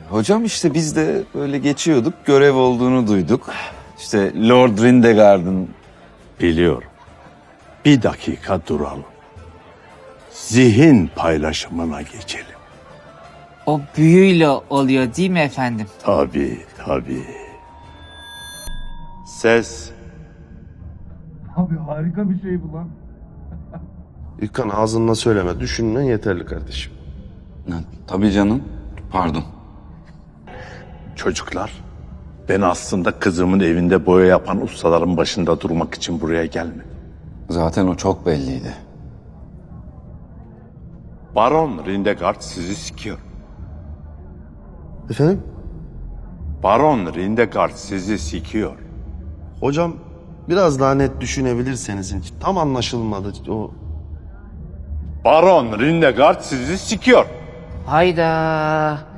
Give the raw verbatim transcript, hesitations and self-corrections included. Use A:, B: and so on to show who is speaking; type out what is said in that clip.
A: Hocam işte biz de böyle geçiyorduk, görev olduğunu duyduk. İşte Lord Rindegar'ın...
B: Biliyorum. Bir dakika duralım. Zihin paylaşımına geçelim.
C: O büyüyle oluyor değil mi efendim?
B: Tabii, tabii. Ses.
D: İlkan ağzınla söyleme, düşünmen yeterli kardeşim.
A: Ha, tabii canım, pardon.
B: Çocuklar, ben aslında kızımın evinde boya yapan ustaların başında durmak için buraya gelmedim.
A: Zaten o çok belliydi.
B: Baron Rindegard sizi sikiyor.
D: Efendim?
B: Baron Rindegard sizi sikiyor.
D: Hocam biraz daha net düşünebilirseniz. Tam anlaşılmadı o.
B: Baron Rindegard sizi sikiyor.
C: Hayda.